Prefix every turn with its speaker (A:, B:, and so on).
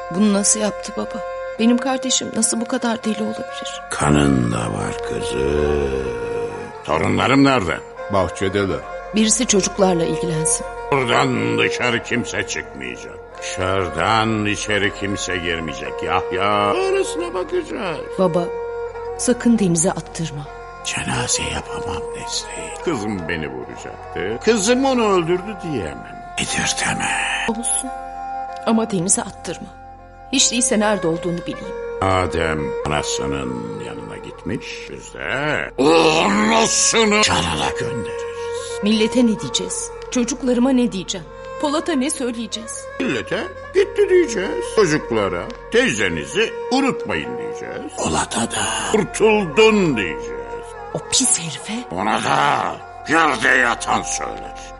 A: Bunu nasıl yaptı baba? Benim kardeşim nasıl bu kadar deli olabilir?
B: Kanında var kızım. Torunlarım nerede?
C: Bahçedeler.
A: Birisi çocuklarla ilgilensin.
B: Buradan dışarı kimse çıkmayacak. Dışarıdan içeri kimse girmeyecek. Yahya arasına bakacağız.
A: Baba, sakın denize attırma.
B: Cenaze yapamam Nesrin. Kızım beni vuracaktı. Kızım onu öldürdü diyemem. Edirtemem.
A: Olsun. Ama denize attırma. Hiç değilse nerede olduğunu bileyim.
B: Adem anasının yanına gitmiş. Biz de anasını canına göndeririz.
A: Millete ne diyeceğiz? Çocuklarıma ne diyeceğim? Polat'a ne söyleyeceğiz?
B: Millete gitti diyeceğiz. Çocuklara teyzenizi unutmayın diyeceğiz. Polat'a da kurtuldun diyeceğiz.
A: O pis herife
B: Ona da yerde yatan söyler.